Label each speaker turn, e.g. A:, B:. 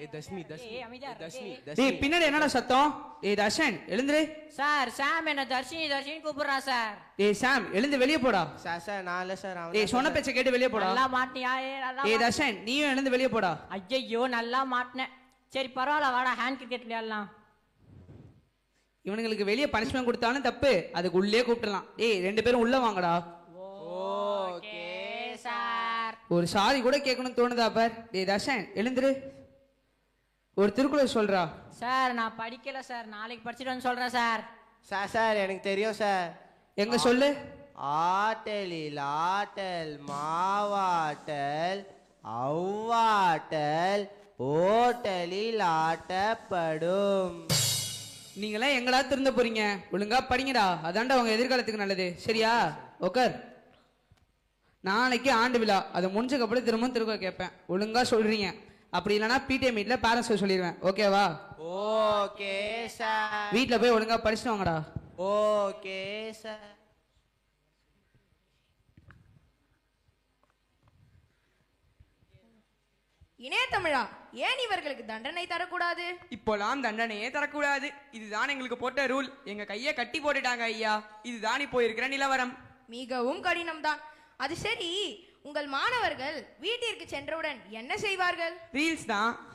A: டேய் பின்னாடி என்னடா சத்தம்? டேய் தர்ஷன் எழுந்துரு.
B: சார் சாம் என்ன தர்ஷினி தர்ஷினி கூப்பிடுறான் சார்.
A: டேய் சாம் எழுந்து வெளிய போடா.
C: சார் நான் இல்ல சார்.
A: டேய் சொன்ன பேச்ச கேட்டு வெளிய போடா.
B: நல்லா மாட்டியா?
A: டேய் தர்ஷன் நீயும் எழுந்து வெளிய போடா.
B: ஐயோ நல்லா மாட்டினேன். சரி பரவாயில்ல வாடா ஹேண்ட் கிரிக்கெட் விளையாடலாம்.
A: இவனுங்களுக்கு வெளிய பனிஷ்மென்ட் கொடுத்தாலும் தப்பு, அதுக்கு உள்ளே கூப்பிடலாம். டேய் ரெண்டு பேரும் உள்ள வாங்கடா.
B: Okay sir.
A: ஒரு சாரி கூட கேட்கணும்னு தோணுதா பார். டேய் தர்ஷன் எழுந்துரு. ஒரு திருக்குறள் சொல்றா.
B: சார் நான் படிக்கல சார், நாளைக்கு படிச்சுட்டு வந்து சொல்றேன் சார்.
C: சார் எனக்கு தெரியும் சார்.
A: எங்க சொல்லு.
C: ஆட்டலில் ஆட்டல் மாவாட்டல் அவ்வாட்டல் ஓட்டலில் ஆட்டப்படும்.
A: நீங்களாம் எங்களா திருந்த போறீங்க? ஒழுங்கா படிங்கடா, அதான்டா உங்க எதிர்காலத்துக்கு நல்லது. சரியா? ஓகர். நாளைக்கு ஆண்டு விழா, அதை முடிஞ்சக்கப்புறம் திரும்ப கேட்பேன். ஒழுங்கா சொல்றீங்க, அப்படி இல்லைன்னா பிடிஏ மீட்ல பேரண்ட்ஸ் சொல்லிடுவேன். ஓகேவா?
C: Okay sir.
A: வீட்டில் போய் ஒழுங்கா படிச்சுட்டு வாங்கடா.
C: Okay sir.
D: இணைய தமிழா, ஏன் இவர்களுக்கு தண்டனை தரக்கூடாது?
E: இப்போலாம் தண்டனையே தரக்கூடாது, இதுதான் எங்களுக்கு போட்ட ரூல். எங்க கையை கட்டி போட்டுட்டாங்க ஐயா. இதுதான் இப்போ இருக்கிற நிலவரம்.
D: மிகவும் கடினம்தான். அது சரி, உங்கள் மாணவர்கள் வீட்டிற்கு சென்றவுடன் என்ன செய்வார்கள்?
E: ரீல்ஸ் தான்.